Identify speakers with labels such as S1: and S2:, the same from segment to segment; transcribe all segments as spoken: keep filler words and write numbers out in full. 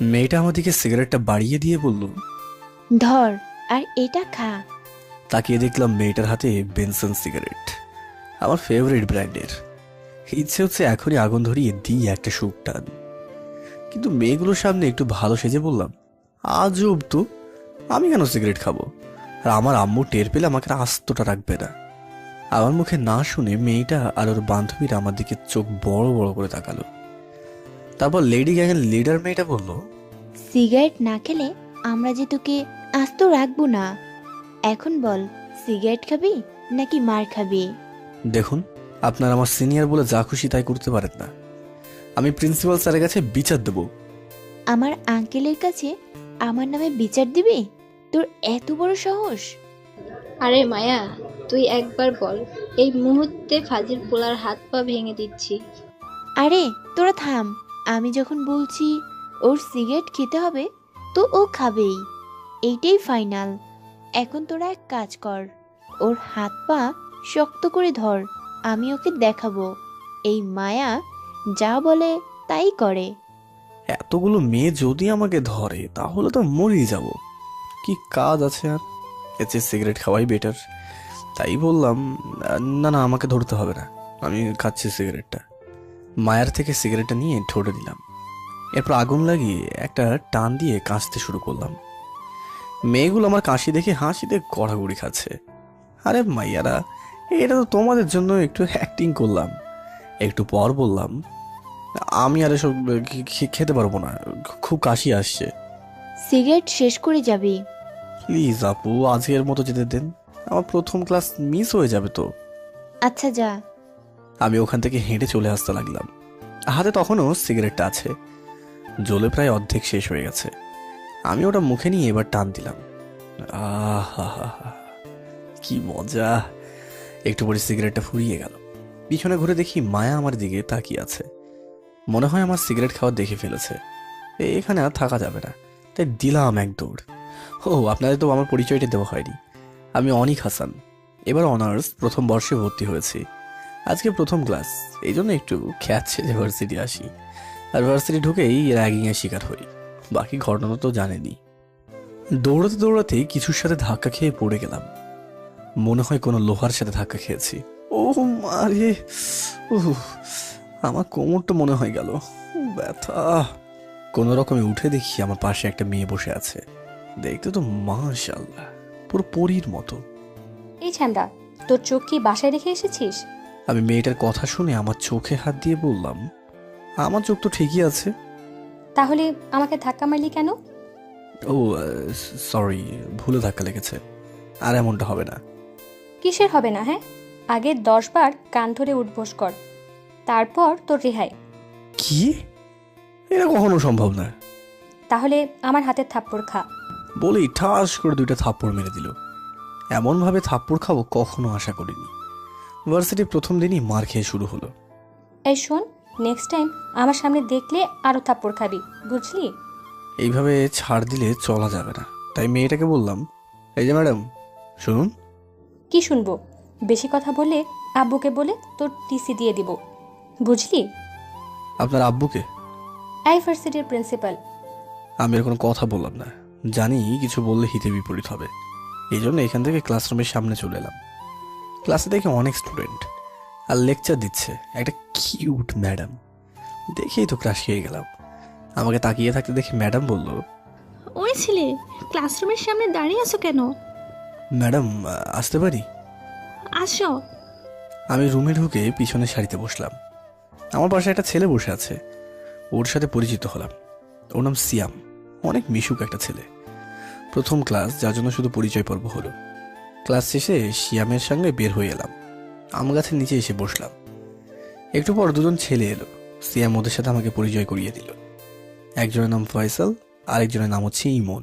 S1: মেয়েটা আমাদেরকে সিগারেটটা বাড়িয়ে দিয়ে বলল,
S2: ধর আর এটা খা।
S1: তাকিয়ে দেখলাম মেয়েটার হাতে বেনসন সিগারেট, আমার ফেভারিট ব্র্যান্ডের। ইচ্ছে হচ্ছে এখনই আগুন ধরিয়ে দিই একটা সুখ টান, কিন্তু মেয়েগুলোর সামনে একটু ভালো সেজে বললাম, আজব তো, আমি কেন সিগারেট খাবো? আর আমার আম্মু টের পেলে আমাকে আস্তটা রাখবে না। আমার মুখে না শুনে মেয়েটা আর ওর বান্ধবীরা আমার দিকে চোখ বড় বড় করে তাকালো। তারপর লেডি গ্যাংয়ের লিডার মেয়েটা বলল,
S2: সিগারেট না খেলে আমরা যে তোকে আস্ত রাখবো না। এখন বল, সিগারেট খাবি নাকি মার খাবি?
S1: দেখুন, আপনার আমার সিনিয়র বলে যা খুশি তাই করতে পারেন না। আমি প্রিন্সিপাল স্যারের কাছে বিচার দেব।
S2: আমার আঙ্কেলের কাছে আমার নামে বিচার দিবি? তোর এত বড় সাহস?
S3: আরে মায়া, তুই একবার বল, এই মুহূর্তে ফাজিল পোলার হাত পা ভেঙে দিচ্ছি।
S2: আরে তোরা থাম, আমি যখন বলছি ওর সিগারেট খেতে হবে তো ও খাবেই, এইটাই ফাইনাল। এখন তোরা এক কাজ কর, ওর হাত পা শক্ত করে ধর, আমি ওকে দেখাবো এই মায়া যা বলে তাই করে।
S1: এতগুলো মেয়ে যদি আমাকে ধরে তাহলে তো মরেই যাব, কি কাজ আছে আর? এর চেয়ে সিগারেট খাওয়াই বেটার। তাই বললাম, না না, আমাকে ধরতে হবে না, আমি খাচ্ছি সিগারেটটা। মায়ার থেকে সিগারেটটা নিয়ে ঠোঁটে দিলাম, এরপর আগুন লাগিয়ে একটা টান দিয়ে কাশতে শুরু করলাম। মেয়েগুলো আমার কাশি দেখে হাসিতে গড়াগড়ি খাচ্ছে। আরে মাইয়ারা, এটা তো তোমাদের জন্য একটু অ্যাক্টিং করলাম। একটু পর বললাম, আমি আর এসব খে- খে- খেতে পারবো না, খুব কাশি আসছে।
S2: সিগারেট শেষ করে যাবি।
S1: প্লিজ আপু, আজকের মতো যেতে দেন, আমার প্রথম ক্লাস মিস হয়ে যাবে তো।
S2: আচ্ছা যা।
S1: আমি ওখান থেকে হেঁটে চলে আসতে লাগলাম। হাতে তখনও সিগারেটটা আছে, জ্বলে প্রায় অর্ধেক শেষ হয়ে গেছে। আমি ওটা মুখে নিয়ে এবার টান দিলাম। আহা, কি মজা! একটু পরে সিগারেটটা ফুরিয়ে গেল। পিছনে ঘুরে দেখি মায়া আমার দিকে তাকিয়ে আছে। মনে হয় আমার সিগারেট খাওয়া দেখে ফেলেছে। এ- এখানে আর থাকা যাবে না, তাই দিলাম এক দৌড়। ও, আপনাদের তো আমার পরিচয়টা দেওয়া হয়নি। আমি অনিক হাসান, এবার অনার্স প্রথম বর্ষে ভর্তি হয়েছি। আজকে প্রথম ক্লাস, এই জন্য একটু খ্যাচ্ছে যে ভার্সিটি আসি, আর ভার্সিটি ঢুকেই র্যাগিংয়ের শিকার হই। বাকি ঘটনা তো জানেনি। দৌড়াতে দৌড়াতে কিছুর সাথে ধাক্কা খেয়ে পড়ে গেলাম। মনে হয় কোনো লোহার সাথে ধাক্কা খেয়েছি। ও মারে, উহ, আমার কোমরটা মনে হয় গেল, ব্যথা। কোনো রকমে উঠে দেখি আমার পাশে একটা মেয়ে বসে আছে। দেখতে তো মাশাআল্লাহ পুরো পরীর মতো।
S4: এই ছ্যান্দা, তোর চোখ কি বাসায় রেখে এসেছিস?
S1: আমি মেয়েটার কথা শুনে আমার চোখে হাত দিয়ে বললাম, আমার চোখ তো ঠিকই আছে।
S4: তাহলে আমাকে ধাক্কা মারলি কেন?
S1: ও সরি, ভুলে ধাক্কা লেগেছে, আর এমনটা হবে না।
S4: কিসের হবে না? হ্যাঁ, আগে দশ বার কান ধরে উঠবোস কর, তারপর তোর রেহাই।
S1: কি? এটা কখনো সম্ভব না।
S4: তাহলে আমার হাতের থাপ্পড় খা।
S1: বলেই ঠাস করে দুইটা থাপ্পড় মেরে দিল। এমনভাবে থাপ্পড় খাবো কখনো আশা করিনি। ভার্সিটির প্রথম দিনই মার খেয়ে শুরু হলো।
S4: এই শোন, নেক্সট টাইম আমার সামনে দেখলে আরও থাপ্পড় খাবি, বুঝলি?
S1: এইভাবে ছাড় দিলে চলা যাবে না, তাই মেয়েটাকে বললাম, এই যে ম্যাডাম শুনুন।
S4: কি শুনবো? বেশি কথা বললে আব্বুকে বলে তোর টিসি দিয়ে দিব, বুঝলি?
S1: আপনার আব্বুকে?
S4: এই ভার্সিটির প্রিন্সিপাল।
S1: আমি আর কোনো কথা বললাম না, জানি কিছু বললে হিতে বিপরীত হবে। এই জন্য এখান থেকে ক্লাসরুমের সামনে চলে এলাম। ক্লাসে দেখে অনেক স্টুডেন্ট আর লেকচার দিচ্ছে একটা কিউট ম্যাডাম। দেখেই তো ক্রাশ খেয়ে গেলাম। আমাকে তাকিয়ে থাকতে দেখে ম্যাডাম বলল,
S5: ওই ছেলে, ক্লাসরুমের সামনে দাঁড়িয়ে আছো কেন?
S1: ম্যাডাম আসতে পারি?
S5: আসো।
S1: আমি রুমে ঢুকে পিছনের সারিতে বসলাম। আমার পাশে একটা ছেলে বসে আছে, ওর সাথে পরিচিত হলাম। ওর নাম সিয়াম, অনেক মিশুক একটা ছেলে। প্রথম ক্লাস, যার জন্য শুধু পরিচয় পর্ব হলো। ক্লাস শেষে সিয়ামের সঙ্গে বের হয়ে এলাম, আম গাছের নিচে এসে বসলাম। একটু পর দুজন ছেলে এলো, সিয়াম ওদের সাথে আমাকে পরিচয় করিয়ে দিল। একজনের নাম ফয়সাল, আরেকজনের নাম হচ্ছে ইমন।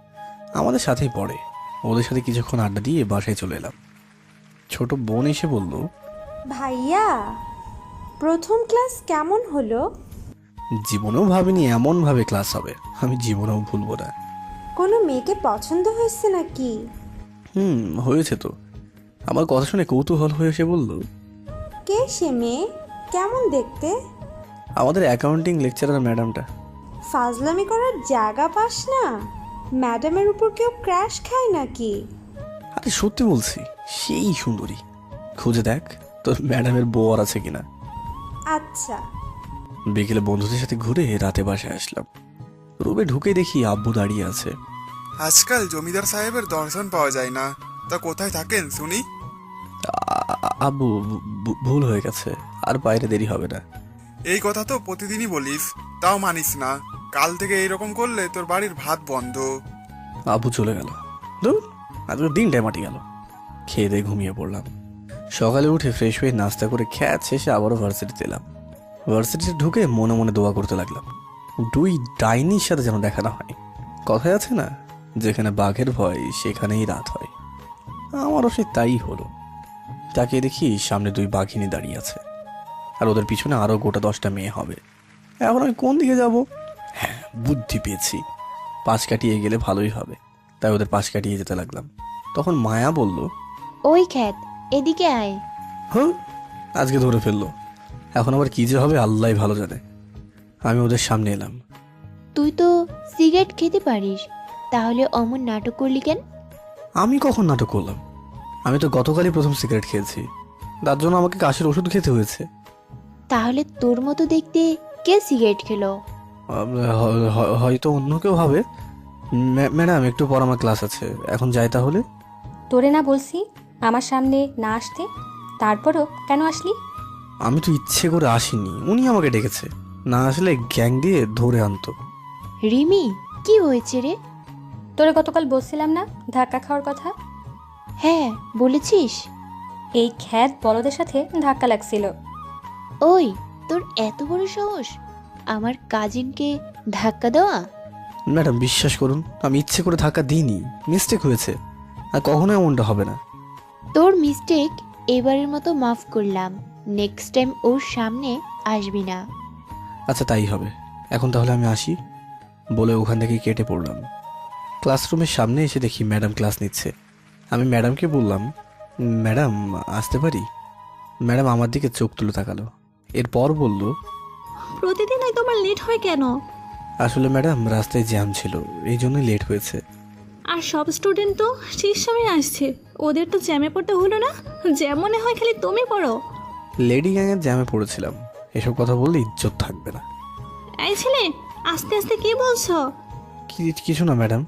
S1: আমাদের সাথেই পড়ে। ওদের সাথে কিছুক্ষণ আড্ডা দিয়ে বাসায় চলে এলাম। ছোট বোন এসে বলল,
S6: ভাইয়া, প্রথম ক্লাস কেমন হলো?
S1: জীবনেও ভাবিনি এমনভাবে ক্লাস হবে, আমি জীবনেও ভুলবো না।
S6: কোনো মেয়েকে পছন্দ হয়েছে নাকি?
S1: হুম, হয়েছে তো। আমার কথা শুনে কৌতূহল হয়ে এসে বলল,
S6: কে সে মেয়ে? কেমন দেখতে?
S1: আমাদের অ্যাকাউন্টিং লেকচারার ম্যাডামটা।
S6: ফাজলামি করার জায়গা পাস না? ম্যাডামের উপর কেউ ক্র্যাশ খায় নাকি?
S1: আরে সত্যি বলছি, সেই সুন্দরী। খুঁজে দেখ তোর ম্যাডামের বউ আর আছে কিনা।
S6: আচ্ছা।
S1: বিকেলে বন্ধুদের সাথে ঘুরে রাতে বাসায় আসলাম। রুমে ঢুকে দেখি আব্বু দাঁড়িয়ে আছে।
S7: আজকাল জমিদার সাহেবের দর্শন পাওয়া যায় না, তা কোথায় থাকেন শুনি?
S1: আ- আ- আব্বু ভু- ভুল হয়ে গেছে, আর বাইরে দেরি হবে না।
S7: এই কথা তো প্রতিদিনই বলিস, তাও মানিস না। কাল থেকে এইরকম করলে তোর বাড়ির ভাত বন্ধ।
S1: আব্বু চলে গেল। ধুর, আজকে দিনটাই মাটি গেল। খেয়ে দিয়ে ঘুমিয়ে পড়লাম। সকালে উঠে ফ্রেশ হয়ে নাস্তা করে খ্যাত শেষে আবারও ভার্সিটিতে এলাম। ভার্সিটিতে ঢুকে মনে মনে দোয়া করতে লাগলাম, দুই ডাইনির সাথে যেন দেখা না হয়। কথায় আছে না, যেখানে বাঘের ভয় সেখানেই রাত হয়। আমারও সে তাই হলো। তাকিয়ে দেখি সামনে দুই বাঘিনী দাঁড়িয়ে আছে, আর ওদের পিছনে আরও গোটা দশটা মেয়ে হবে। এখন আমি কোন দিকে যাব? হ্যাঁ, বুদ্ধি পেয়েছি, পাশ কাটিয়ে গেলে ভালোই হবে। তাই ওদের পাশ কাটিয়ে যেতে লাগলাম। তখন মায়া বলল,
S2: ওই খ্যাত, এদিকে আয়।
S1: হ্যাঁ, আজকে ধরে ফেললো। এখন আবার কি যে হবে আল্লাহ ভালো জানে। আমি ওদের সামনে এলাম।
S2: তুই তো সিগারেট খেতে পারিস, তাহলে অমন নাটক করলি কেন?
S1: আমি কখন নাটক করলাম? আমি তো গতকালই প্রথম সিগারেট খেয়েছি, তার জন্য আমাকে কাশির ওষুধ খেতে হয়েছে।
S2: তাহলে তোর মতো দেখতে কে সিগারেট খেলো?
S1: আহ, হ- হ- হয়তো অন্য কেউ হবে। ম্যা- ম্যাডাম একটু পর আমার ক্লাস আছে, এখন যাই তাহলে।
S4: তোরে না বলছি আমার সামনে না আসতে, তারপরও কেন আসলি?
S1: আমি তো ইচ্ছে করে আসিনি, উনি আমাকে ডেকেছে। না আসলে গ্যাং দিয়ে ধরে আনতো।
S2: রিমি, কি হয়েছে রে?
S4: তোরে গতকাল বলছিলাম না ধাক্কা খাওয়ার কথা?
S2: হ্যাঁ, বলেছিস।
S4: এই খ্যাত বলদের সাথে ধাক্কা লাগছিল।
S2: ওই, তোর এত বড় সাহস আমার কাজিনকে ধাক্কা দেওয়া?
S1: ম্যাডাম বিশ্বাস করুন, আমি ইচ্ছে করে ধাক্কা দিইনি, মিস্টেক হয়েছে। আর কখনো এমনটা হবে না।
S2: তোর মিস্টেক এবারের মতো মাফ করলাম, নেক্সট টাইম ওর সামনে আসবি না।
S1: আচ্ছা তাই হবে, এখন তাহলে আমি আসি বলে ওখান থেকে কেটে পড়লাম। ক্লাসরুমের সামনে এসে দেখি ম্যাডাম ক্লাস নিচ্ছে। আমি ম্যাডামকে বললাম, ম্যাডাম আসতে পারি? ম্যাডাম আমার দিকে চোখ তুলে তাকালো, এরপর বলল,
S5: প্রতিদিনই তোমার লেট হয় কেন?
S1: আসলে ম্যাডাম রাস্তায় জ্যাম ছিল, এই জন্যই লেট হয়েছে।
S5: আর সব স্টুডেন্ট তো ঠিক সময় আসছে, ওদের তো জ্যামে পড়তে হলো না? জ্যাম মনে হয় খালি তুমি পড়ো।
S1: লেডি গ্যাংয়ের জ্যামে পড়েছিলাম, এসব কথা বললে ইজ্জত থাকবে না।
S5: এই ছেলে, আস্তে আস্তে কি বলছো?
S1: কি- কিছু না ম্যাডাম।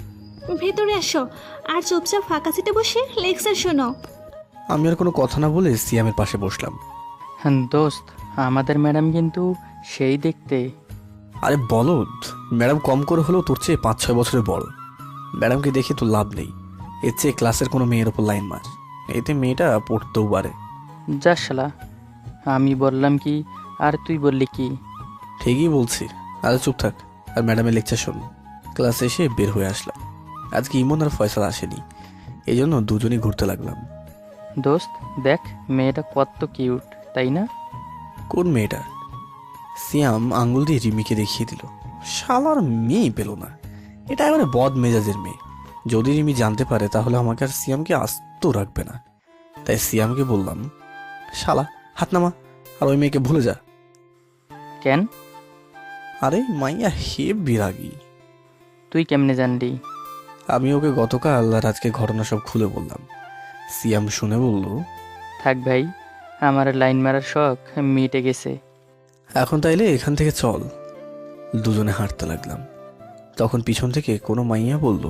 S5: ভেতরে আসো আর চুপচাপ ফাঁকা সিটে বসে লেকচার শোনো।
S1: আমি আর কোনো কথা না বলে সিয়ামের পাশে বসলাম।
S8: হ্যাঁ দোস্ত, আমাদের ম্যাডাম কিন্তু সেই দেখতে।
S1: আরে বলদ, ম্যাডাম কম করে হলেও তোর চেয়ে পাঁচ ছয় বছরের বড়। ম্যাডামকে দেখে তো লাভ নেই, এর চেয়ে ক্লাসের কোনো মেয়ের ওপর লাইন মার, এতে মেয়েটা পড়তেও পারে।
S8: যা শালা, আমি বললাম কি আর তুই বললি কি?
S1: ঠিকই বলছি, আরে চুপ থাক আর ম্যাডামের লেকচার শোন। ক্লাসে এসে বের হয়ে আসলাম। আজকে ইমন আর ফয়সাল আসেনি, এই জন্য দুজনেই ঘুরতে লাগলাম।
S8: দোস্ত দেখ, মেয়েটা কত কিউট, তাই না?
S1: কোন মেয়েটা? সিয়াম আঙ্গুল দিয়ে রিমিকে দেখিয়ে দিল। শালার মেয়ে পেল না, এটা এবারে বদ মেজাজের মেয়ে। যদি রিমি জানতে পারে তাহলে আমাকে আর সিয়ামকে আস্ত রাখবে না। তাই সিয়ামকে বললাম, শালা হাত নামা আর ওই মেয়েকে ভুলে যা।
S8: কেন?
S1: আরে মাইয়া হে বিরাগী।
S8: তুই কেমনে জানলি?
S1: আমি ওকে গতকাল আর আজকে ঘটনা সব খুলে বললাম। সিয়াম শুনে বলল,
S8: থাক ভাই, আমার লাইন মারার শখ মিটে গেছে।
S1: এখন তাইলে এখান থেকে চল। দুজনে হাঁটতে লাগলাম। তখন পিছন থেকে কোনো মাইয়া বলল,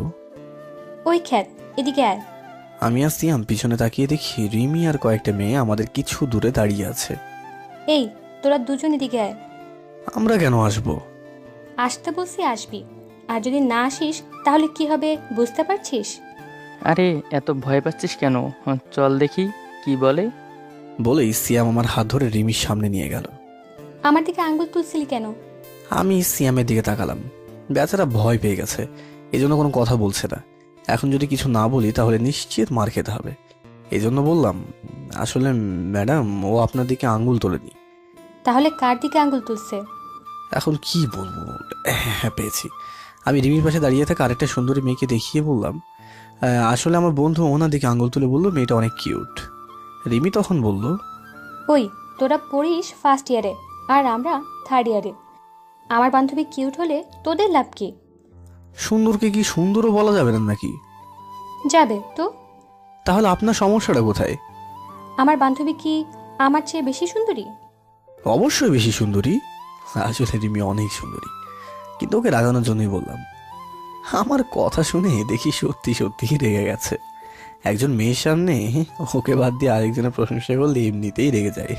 S4: ওই খ্যাত, এদিকে আয়।
S1: আমি আর সিয়াম পিছনে তাকিয়ে দেখি রিমি আর কয়েকটা মেয়ে আমাদের কিছু দূরে দাঁড়িয়ে আছে।
S4: এই তোরা দুজন এদিকে আয়।
S1: আমরা কেন আসবো?
S4: আসতে বলছি আসবি, আর যদি না আসিস তাহলে কি হবে বুঝতে পারছিস?
S8: আরে এত ভয় পাচ্ছিস কেন? চল দেখি কি বলে।
S1: বলেই সিয়াম আমার হাত ধরে রিমির সামনে নিয়ে গেল।
S4: আমার দিকে আঙ্গুল তুলছিলি কেন?
S1: আমি সিয়ামের দিকে তাকালাম। বেচারা ভয় পেয়ে গেছে, এই জন্য কোনো কথা বলছে না। এখন যদি কিছু না বলি তাহলে নিশ্চিত মার খেতে হবে। এই জন্য বললাম, আসলে ম্যাডাম ও আপনার দিকে আঙ্গুল তোলেনি।
S4: তাহলে কার দিকে আঙ্গুল তুলছে?
S1: এখন কি বলবো, হ্যাঁ পেয়েছি। আমি রিমির পাশে দাঁড়িয়ে থাকা আরেকটা সুন্দরী মেয়েকে দেখিয়ে বললাম, "আহ, আসলে আমার বন্ধু ওনার দিকে আঙ্গুল তুলে বললো মেয়েটা অনেক কিউট।" রিমি তখন বলল,
S4: ওই তোরা পড়িস ফার্স্ট ইয়ারে আর আমরা থার্ড ইয়ারে, আমার বান্ধবী কিউট হলে তোদের লাভ কি?
S1: সুন্দরকে কি সুন্দরও বলা যাবে না নাকি?
S4: যাবে তো।
S1: তাহলে আপনার সমস্যাটা কোথায়?
S4: আমার বান্ধবী কি আমার চেয়ে বেশি সুন্দরী?
S1: অবশ্যই বেশি সুন্দরী। আসলে রিমি অনেক সুন্দরী, কিন্তু ওকে রাগানোর জন্যই বললাম। আমার কথা শুনে দেখি সত্যি সত্যি রেগে গেছে। একজন মেয়ের সামনে ওকে বাদ দিয়ে আরেকজনের প্রশংসা করলে এমনিতেই রেগে যায়।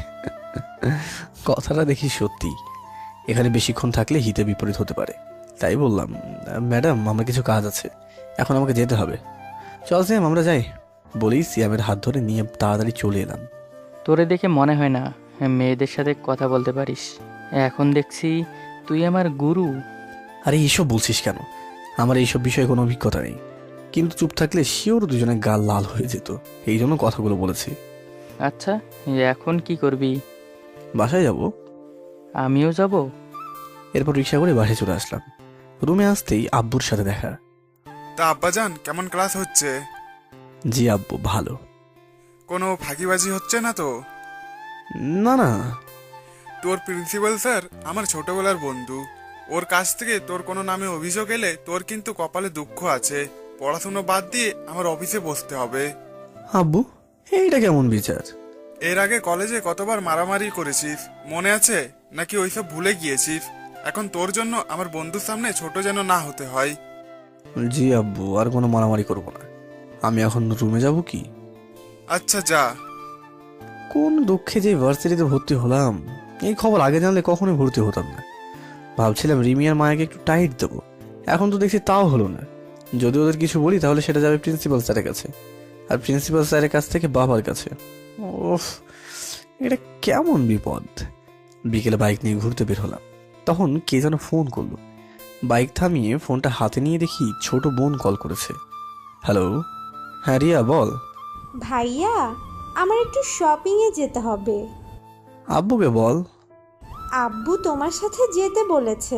S1: কথাটা দেখি সত্যি। এখানে বেশিক্ষণ থাকলে হিতে বিপরীত হতে পারে, তাই বললাম, ম্যাডাম আমার কিছু কাজ আছে, এখন আমাকে যেতে হবে। চল স্যাম আমরা যাই। বলেই সিয়ামের হাত ধরে নিয়ে তাড়াতাড়ি চলে এলাম।
S8: তোরে দেখে মনে হয় না মেয়েদের সাথে কথা বলতে পারিস। এখন দেখছি তুই আমার গুরু।
S1: আরে এইসব বলছিস কেন? আমার এইসব বিষয়ে কোনো অভিজ্ঞতা নেই, কিন্তু চুপ থাকলে শিওর দুজনে গাল লাল হয়ে যেত, এই জন্য কথাগুলো বলেছি।
S8: আচ্ছা, এখন কি করবি?
S1: বাসায় যাব।
S8: আমিও যাব।
S1: এরপর রিক্সা করে বাসায় চলে আসলাম। রুমে আসতেই আব্বুর সাথে দেখা।
S7: তা আব্বাজান, কেমন ক্লাস হচ্ছে?
S1: জি আব্বু, ভালো।
S7: কোনো ফাঁকিবাজি হচ্ছে না তো?
S1: না না।
S7: তোর প্রিন্সিপাল স্যার আমার ছোটবেলার বন্ধু। ওর কাছ থেকে তোর কোনো নামে অভিযোগ এলে তোর কিন্তু কপালে দুঃখ আছে। পড়াশুনো বাদ দিয়ে আমার অফিসে বসতে হবে।
S1: আব্বু, এইটা কেমন বিচার?
S7: এর আগে কলেজে কতবার মারামারি করেছিস মনে আছে নাকি ওইসব ভুলে গিয়েছিস? এখন তোর জন্য আমার বন্ধুর সামনে ছোট যেন না হতে হয়।
S1: জি আব্বু, আর কোনো মারামারি করব না। আমি এখন রুমে যাব কি?
S7: আচ্ছা যা।
S1: কোন দুঃখে যে ভার্সিটিতে ভর্তি হলাম, এই খবর আগে জানলে কখনোই ভর্তি হতাম না। ভাবছিলাম রিমি আর মায়াকে একটু টাইট দেবো, এখন তো দেখছি তাও হলো না। যদি ওদের কিছু বলি তাহলে সেটা যাবে প্রিন্সিপাল স্যারের কাছে, আর প্রিন্সিপাল স্যারের কাছ থেকে বাবার কাছে। ওফ, এটা কেমন বিপদ। বিকেলে বাইক নিয়ে ঘুরতে বের হলাম, তখন কে যেন ফোন করলো। বাইক থামিয়ে ফোনটা হাতে নিয়ে দেখি ছোট বোন কল করেছে। হ্যালো। হ্যাঁ রিয়া, বল।
S6: ভাইয়া, আমার একটু শপিংয়ে যেতে হবে।
S1: আব্বুকে বল।
S6: আব্বু তোমার সাথে যেতে বলেছে।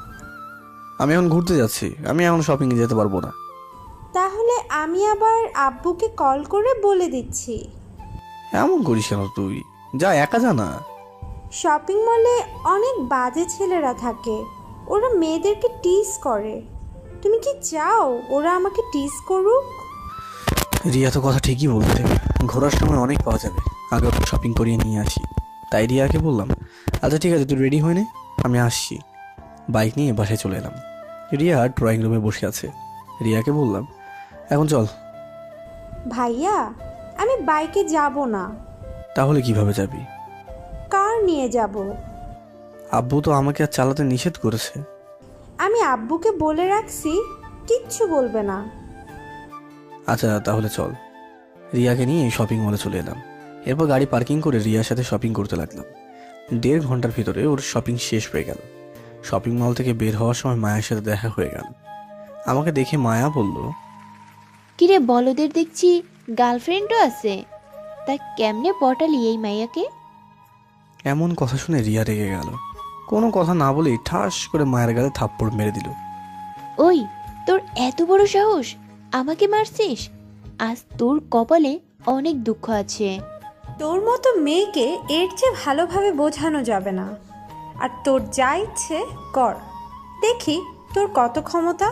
S1: আমি এখন ঘুরতে যাচ্ছি, আমি এখন শপিংয়ে যেতে পারবো না।
S6: তাহলে আমি আবার আব্বুকে কল করে বলে দিচ্ছি।
S1: এমন করিস কেন তুই? যা, একা যা না।
S6: শপিং মলে অনেক বাজে ছেলেরা থাকে, ওরা মেয়েদেরকে টিজ করে। তুমি কি চাও ওরা আমাকে টিজ করুক?
S1: রিয়া তো কথা ঠিকই বলছে, ঘোরার সময় অনেক পাওয়া যাবে, আগে একটু শপিং করিয়ে নিয়ে আসি। তাই রিয়াকে বললাম, আচ্ছা ঠিক আছে, তুই রেডি হয়ে নে, আমি আসছি। বাইক নিয়ে বাসায় চলে এলাম। রিয়া ড্রয়িং রুমে বসে আছে। রিয়াকে বললাম, এখন চল।
S6: ভাইয়া, আমি বাইকে যাব না।
S1: তাহলে কিভাবে যাবি?
S6: কার নিয়ে যাব।
S1: আব্বু তো আমাকে আর চালাতে নিষেধ করেছে।
S6: আমি আব্বুকে বলে রাখছি, কিচ্ছু বলবে না।
S1: আচ্ছা তাহলে চল। রিয়াকে নিয়ে শপিং মলে চলে এলাম। এরপর গাড়ি পার্কিং করে রিয়ার সাথে শপিং করতে লাগলাম। দেড় ঘন্টার ভিতরে ওর শপিং শেষ হয়ে গেল। শপিং মল থেকে বের হওয়ার সময় মায়ের সাথে দেখা হয়ে গেল। আমাকে দেখে মায়া বলল,
S2: কিরে বলদের দেখছি গার্লফ্রেন্ডও আছে, তা কেমনে পটালি এই মাইয়াকে?
S1: এমন কথা শুনে রিয়া রেগে গেল। কোনো কথা না বলেই ঠাস করে মায়ের গালে থাপ্পড় মেরে দিল।
S2: ওই, তোর এত বড় সাহস, আমাকে মারছিস? আজ তোর কপালে অনেক দুঃখ আছে।
S6: তোর মতো মেয়েকে এর চেয়ে ভালোভাবে বোঝানো যাবে না। আর তোর যা ইচ্ছে কর, দেখি তোর কত ক্ষমতা।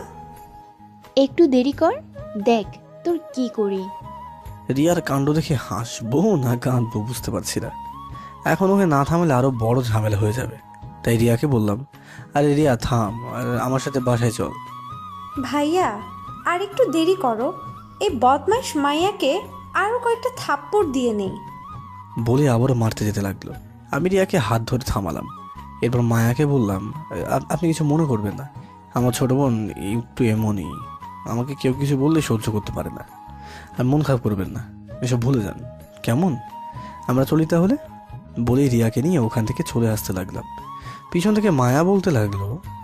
S2: একটু দেরি কর, দেখ তোর কি করি।
S1: রিয়ার কাণ্ড দেখে হাসবো না কাঁদবো বুঝতে পারছি না। এখন ওকে না থামলে আরো বড় ঝামেলা হয়ে যাবে। তাই রিয়াকে বললাম, আরে রিয়া থাম, আর আমার সাথে বাসায় চল।
S6: ভাইয়া, আর একটু দেরি করো, এই বদমাইশ মাইয়াকে আরও কয়েকটা থাপ্পড় দিয়ে নেই।
S1: বলে আবারও মারতে যেতে লাগলো। আমি রিয়াকে হাত ধরে থামালাম। এরপর মায়াকে বললাম, "আপ- আপনি কিছু মনে করবেন না, আমার ছোট বোন একটু এমনই, আমাকে কেউ কিছু বললে সহ্য করতে পারে না। আর মন খারাপ করবেন না, এসব ভুলে যান, কেমন? আমরা চলি তাহলে।" বলেই রিয়াকে নিয়ে ওখান থেকে চলে আসতে লাগলাম। পিছন থেকে মায়া বলতে লাগলো,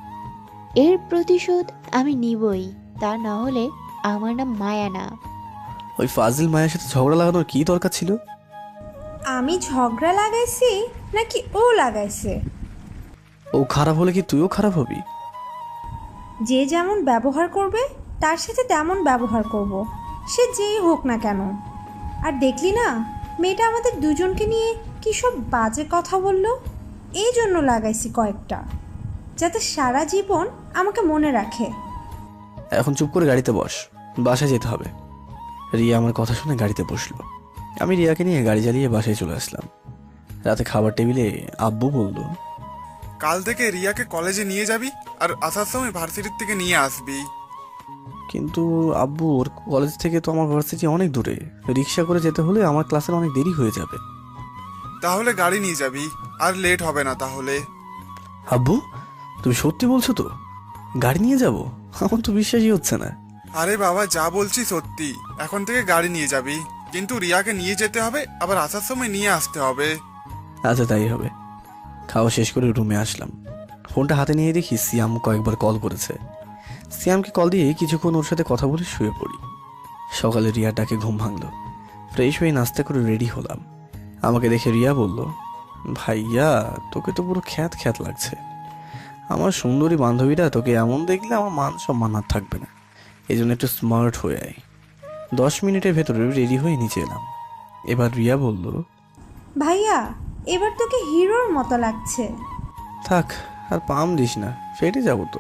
S2: এর প্রতিশোধ আমি নিবই, তা না হলে আমার নাম মায়া না।
S1: ওই ফাজিল মায়ের সাথে ঝগড়া লাগানোর কি দরকার ছিল?
S6: আমি ঝগড়া লাগাইছি নাকি ও লাগাইছে?
S1: ও খারাপ হলে কি তুইও খারাপ হবি?
S6: যে যেমন ব্যবহার করবে তার সাথে তেমন ব্যবহার করব, সে যেই হোক না কেন। আর দেখলি না, মেয়েটা আমাদের দুজনকে নিয়ে কী সব বাজে কথা বললো, এই জন্য লাগাইছি কয়েকটা। যাতে সারা জীবন আমাকে মনে রাখে।
S1: এখন চুপ করে গাড়িতে বস, বাসায় যেতে হবে। রিয়া আমার কথা শুনে গাড়িতে বসলো। আমি রিয়াকে নিয়ে গাড়ি চালিয়ে বাসায় চলে আসলাম। রাতে খাবার টেবিলে আব্বু বলল,
S7: কাল থেকে রিয়াকে কলেজে নিয়ে যাবি আর আসার সময় ভার্সিটির থেকে নিয়ে আসবি।
S1: কিন্তু আব্বু ওর কলেজ থেকে তো আমার ভার্সিটি অনেক দূরে, রিক্সা করে যেতে হলে আমার ক্লাসের অনেক দেরি হয়ে যাবে।
S7: তাহলে গাড়ি নিয়ে যাবি, আর লেট হবে না তাহলে।
S1: আব্বু তুমি সত্যি বলছো তো? গাড়ি নিয়ে যাব? আমার তো বিশ্বাসই হচ্ছে না।
S7: আরে বাবা, যা বলছি সত্যি। এখন থেকে গাড়ি নিয়ে যাবি, কিন্তু রিয়াকে নিয়ে যেতে হবে, আবার আসার সময় নিয়ে আসতে হবে।
S1: আচ্ছা তাই হবে। খাওয়া শেষ করে রুমে আসলাম। ফোনটা হাতে নিয়ে দেখি সিয়াম কয়েকবার কল করেছে। সিয়ামকে কল দিয়ে কিছুক্ষণ ওর সাথে কথা বলে শুয়ে পড়ি। সকালে রিয়ার ডাকে ঘুম ভাঙলো। ফ্রেশ হয়ে নাস্তা করে রেডি হলাম। আমাকে দেখে রিয়া বলল, ভাইয়া তোকে তো পুরো খ্যাত খ্যাত লাগছে। আমার সুন্দরী বান্ধবীরা তোকে এমন দেখলে আমার মান সম্মান আর থাকবে না, এই জন্য একটু স্মার্ট হয়ে আয়। দশ মিনিটের ভেতরে রেডি হয়ে নিচে এলাম। এবার রিয়া বলল,
S6: ভাইয়া এবার তোকে হিরোর মতো লাগছে।
S1: থাক আর পাম দিস না, ফেটে যাবো তো।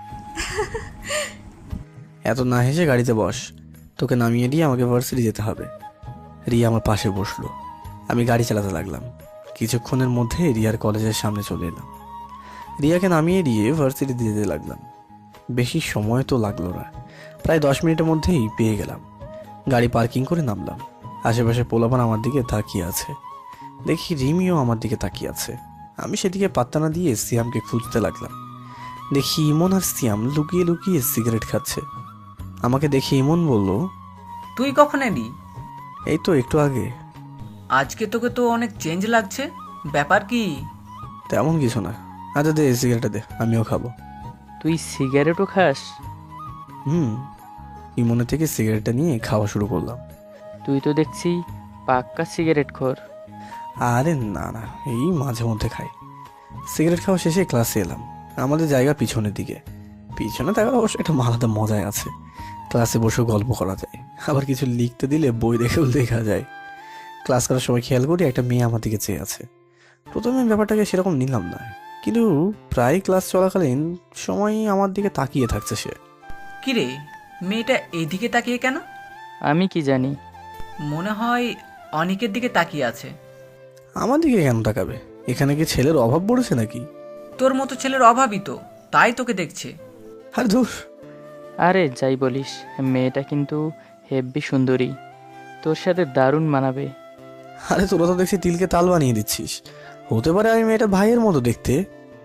S1: এত না হেসে গাড়িতে বস, তোকে নামিয়ে দিয়ে আমাকে ভার্সিটি যেতে হবে। রিয়া আমার পাশে বসলো। আমি গাড়ি চালাতে লাগলাম। কিছুক্ষণের মধ্যে রিয়ার কলেজের সামনে চলে এলাম। রিয়াকে নামিয়ে দিয়ে ভার্সিটি যেতে লাগলাম। বেশি সময় তো লাগলো না, প্রায় দশ মিনিটের মধ্যেই পেয়ে গেলাম। গাড়ি পার্কিং করে নামলাম। আশেপাশে পোলাপান আমার দিকে তাকিয়ে আছে। দেখি রিমিও আমার দিকে তাকিয়ে আছে। আমি সেদিকে পাত্তা না দিয়ে সিয়ামকে খুঁজতে লাগলাম। দেখি ইমন আর সিয়াম লুকিয়ে লুকিয়ে সিগারেট খাচ্ছে। আমাকে দেখে ইমন বলল,
S9: তুই কখন এলি?
S1: এই তো একটু আগে।
S9: আজকে তোকে তো অনেক চেঞ্জ লাগছে, ব্যাপার কি?
S1: তেমন কিছু না। আচ্ছা দে সিগারেটটা দে, আমিও খাবো।
S8: তুই সিগারেটও খাস?
S1: হুম। ইমনের থেকে সিগারেটটা নিয়ে খাওয়া শুরু করলাম।
S8: তুই তো দেখছি পাক্কা সিগারেট খোর।
S1: আরে না না, এই মাঝে মধ্যে খাই। সিগারেট খাওয়া শেষে ক্লাসে এলাম। আমাদের জায়গা পিছনের দিকে। পিছনে থাকার অবশ্য একটা আলাদা মজাই আছে। ক্লাসে বসে গল্প করা যায়, আবার কিছু লিখতে দিলে বই দেখেও লেখা যায়। ক্লাস করার সময় খেয়াল করি একটা মেয়ে আমার দিকে চেয়ে আছে। প্রথমে ব্যাপারটাকে সেরকম নিলাম না, কিন্তু প্রায় ক্লাস চলাকালীন সময় আমার দিকে তাকিয়ে থাকছে সে।
S9: কিরে, মেয়েটা এদিকে তাকিয়ে কেন?
S8: আমি কি জানি।
S9: মনে হয় অনিকের দিকে তাকিয়ে আছে।
S1: আমার দিকে কেন তাকাবে? এখানে কি ছেলের অভাব পড়েছে নাকি?
S9: তোর মতো ছেলের অভাবই তো, তাই তোকে দেখছে।
S1: আরে ধুর।
S8: আরে যাই বলিস, মেয়েটা কিন্তু হেব্বি সুন্দরী, তোর সাথে দারুণ মানাবে।
S1: আরে তোরা তো দেখছি তিলকে তাল বানিয়ে দিচ্ছিস। হতে পারে আমি মেয়েটা ভাইয়ের মতো দেখতে।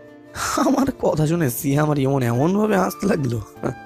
S1: আমার কথা শুনে সিয়া আমার এমন এমন ভাবে হাসতে লাগলো।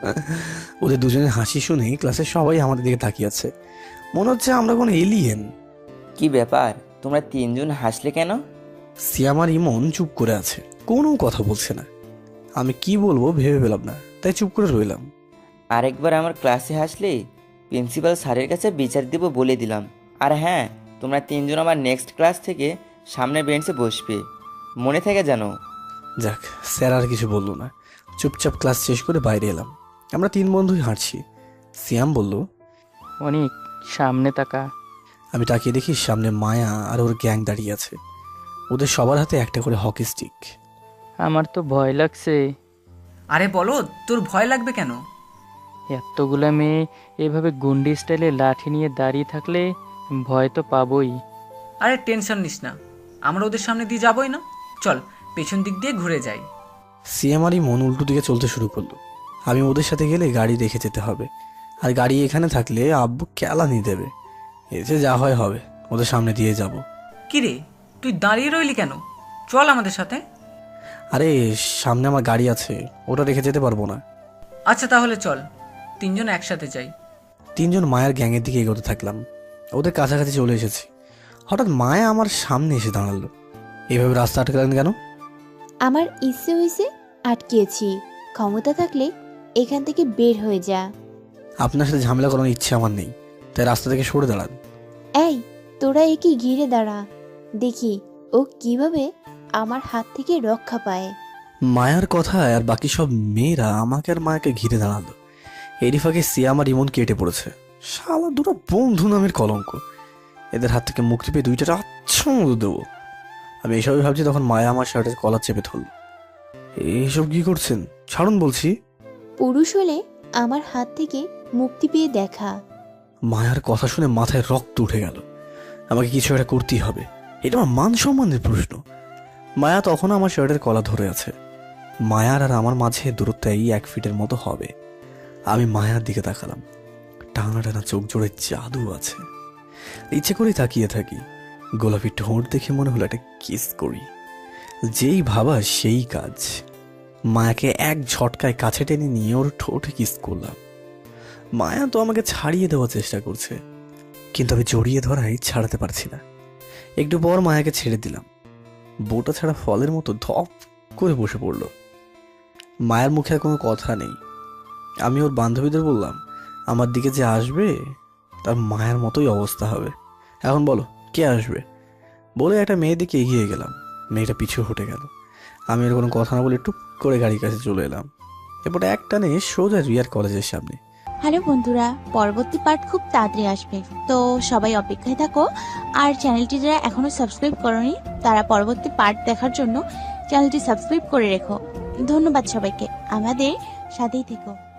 S1: ওদের দুজনের হাসি শুনে ক্লাসের সবাই আমাদের দিকে তাকিয়ে আছে। মনে হচ্ছে আমরা কোনো এলিয়েন।
S10: কি ব্যাপার, তোমরা তিনজন হাসলে কেন?
S1: সিয়া আমার ইমন চুপ করে আছে, কোনো কথা বলছে না। আমি কি বলবো ভেবে পেলাম না, তাই চুপ করে রইলাম।
S10: আরেকবার আমার ক্লাসে হাসলে প্রিন্সিপাল স্যারের কাছে বিচার দেব বলে দিলাম। আর হ্যাঁ, তোমরা তিনজন আমার নেক্সট ক্লাস থেকে সামনের বেঞ্চে বসবে, মনে থাকে জানো।
S1: যাক, স্যার আর কিছু বললো না। চুপচাপ ক্লাস শেষ করে বাইরে এলাম। আমরা তিন বন্ধুই হাঁটছি। সিয়াম বলল,
S8: অনেক সামনে তাকা।
S1: আমি তাকিয়ে দেখি সামনে মায়া আর ওর গ্যাং দাঁড়িয়ে আছে। ওদের সবার হাতে একটা করে হকি স্টিক।
S8: আমার তো ভয় লাগছে।
S9: আরে বলো, তোর ভয় লাগবে কেন?
S8: এতগুলা মেয়ে এভাবে গুন্ডি স্টাইলে লাঠি নিয়ে দাঁড়িয়ে থাকলে ভয় তো পাবই।
S9: আরে টেনশন নিস না, আমরা ওদের সামনে দিয়ে যাবোই না। চল পেছন দিক দিয়ে ঘুরে যাই।
S1: সিএমআরই মন উল্টো দিকে চলতে শুরু করলো। আমি ওদের সাথে গেলে গাড়ি রেখে যেতে হবে, আর গাড়ি এখানে থাকলে আব্বু কেলানি দেবে। এসে যা হয় হবে, ওদের সামনে দিয়ে যাব।
S9: কিরে, তুই দাঁড়িয়ে রইলি কেন? চল আমাদের সাথে।
S1: আরে সামনে আমার গাড়ি আছে, ওটা রেখে যেতে পারবো না।
S9: আচ্ছা তাহলে চল, তিনজন একসাথে যাই।
S1: তিনজন মায়ের গ্যাংয়ের দিকে এগোতে থাকলাম। ওদের কাছাকাছি চলে এসেছি। হঠাৎ মায়া আমার সামনে এসে দাঁড়ালো। এভাবে রাস্তা আটকালেন কেন?
S2: আমার ইচ্ছে হয়েছে, আটকেছি। ক্ষমতা থাকলে এখান থেকে বের হয়ে যা।
S1: আপনার সাথে ঝামেলা করানোর ইচ্ছে আমার নেই, তাই রাস্তা থেকে সরে দাঁড়ান।
S2: এই তোরা একে ঘিরে দাঁড়া, দেখি ও কিভাবে আমার হাত থেকে রক্ষা পায়।
S1: মায়ার কথায় আর বাকি সব মেয়েরা আমাকে আর মায়াকে ঘিরে দাঁড়ালো। এরই ফাঁকে সিয়া আমার ইমন কেটে পড়েছে। শালা দুটো বন্ধু নামের কলঙ্ক। এদের হাত থেকে মুক্তি পেয়ে দুইটা আচ্ছা মতো দেবো। আমি এইসবই ভাবছি, তখন মায়া আমার শার্টের কলার চেপে ধরল। এসব কি করছেন? ছাড়ুন বলছি।
S2: পুরুষ হলে আমার হাত থেকে মুক্তি পেয়ে দেখা।
S1: মায়ার কথা শুনে মাথায় রক্ত উঠে গেল। আমাকে কিছু একটা করতেই হবে, এটা আমার মান সম্মানের প্রশ্ন। মায়া তখন আমার শার্টের কলা ধরে আছে। মায়ার আর আমার মাঝে দূরত্ব এই এক ফিটের মতো হবে। আমি মায়ার দিকে তাকালাম। টানা টানা চোখ জোড়ে জাদু আছে। ইচ্ছে করেই তাকিয়ে থাকি। গোলাপি ঠোঁট দেখে মনে হলো একটা কিস করি। যেই ভাবা সেই কাজ। মায়াকে এক ঝটকায় কাছে টেনে নিয়ে ওর ঠোঁটে কিস করলাম। মায়া তো আমাকে ছাড়িয়ে দেওয়ার চেষ্টা করছে, কিন্তু আমি জড়িয়ে ধরাই ছাড়াতে পারছি না। একটু পর মায়াকে ছেড়ে দিলাম। বোটা ছাড়া ফলের মতো ধপ করে বসে পড়ল। মায়ের মুখে আর কোনো কথা নেই। আমি ওর বান্ধবীদের বললাম, আমার দিকে যে আসবে তার মায়ের মতোই অবস্থা হবে। এখন বলো কে আসবে? বলে একটা মেয়ের দিকে এগিয়ে গেলাম। মেয়েটা পিছু হটে গেল। আমি আর কোনো কথা না বলে টুপ করে গাড়ির কাছে চলে এলাম। এরপরে একটানে সোজা রিয়ার কলেজের সামনে।
S2: হ্যালো বন্ধুরা, পরবর্তী পার্ট খুব তাড়াতাড়ি আসবে, তো সবাই অপেক্ষায় থাকো। আর চ্যানেলটি যারা এখনো সাবস্ক্রাইব করোনি তারা পরবর্তী পার্ট দেখার জন্য চ্যানেলটি সাবস্ক্রাইব করে রেখো। ধন্যবাদ সবাইকে, আমাদের সাথেই থেকো।